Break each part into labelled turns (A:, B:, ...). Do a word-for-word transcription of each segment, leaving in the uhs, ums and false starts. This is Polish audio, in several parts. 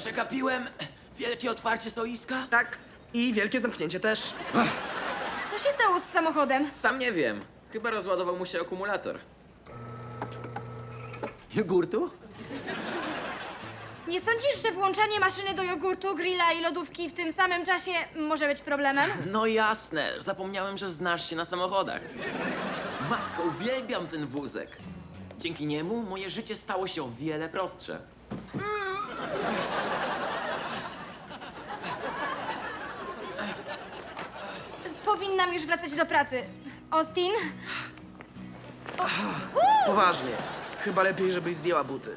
A: Przegapiłem wielkie otwarcie stoiska?
B: Tak, i wielkie zamknięcie też.
C: Co się stało z samochodem?
A: Sam nie wiem. Chyba rozładował mu się akumulator. Jogurtu?
C: Nie sądzisz, że włączanie maszyny do jogurtu, grilla i lodówki w tym samym czasie może być problemem?
A: No jasne, zapomniałem, że znasz się na samochodach. Matko, uwielbiam ten wózek. Dzięki niemu moje życie stało się o wiele prostsze.
C: Powinnam już wracać do pracy. Austin?
B: Poważnie. Chyba lepiej, żebyś zdjęła buty.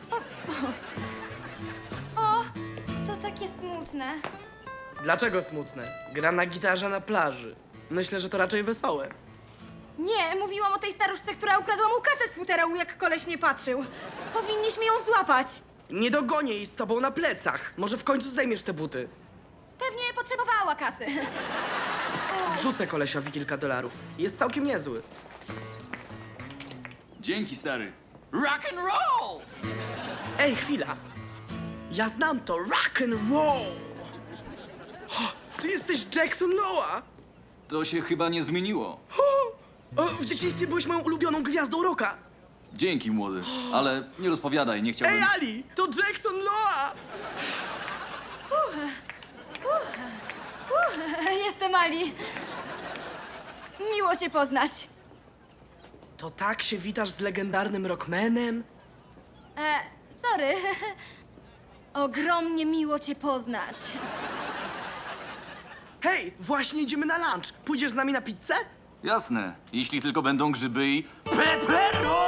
C: O, to takie smutne.
B: Dlaczego smutne? Gra na gitarze na plaży. Myślę, że to raczej wesołe.
C: Nie, mówiłam o tej staruszce, która ukradła mu kasę z futerału, jak koleś nie patrzył. Powinniśmy ją złapać.
B: Nie dogonię jej z tobą na plecach. Może w końcu zdejmiesz te buty.
C: Pewnie potrzebowała kasy.
B: Wrzucę kolesiowi kilka dolarów. Jest całkiem niezły.
D: Dzięki, stary. Rock and roll!
B: Ej, chwila. Ja znam to rock and roll. O, ty jesteś Jackson Loa.
D: To się chyba nie zmieniło.
B: O, w dzieciństwie byłeś moją ulubioną gwiazdą rocka.
D: Dzięki, młody. Ale nie rozpowiadaj, nie chciałbym...
B: Ej, Ali, to Jackson Loa.
C: Jestem Ali. Miło cię poznać.
B: To tak się witasz z legendarnym rockmanem?
C: E, sorry. Ogromnie miło cię poznać.
B: Hej, właśnie idziemy na lunch. Pójdziesz z nami na pizzę?
D: Jasne, jeśli tylko będą grzyby i... Pepero!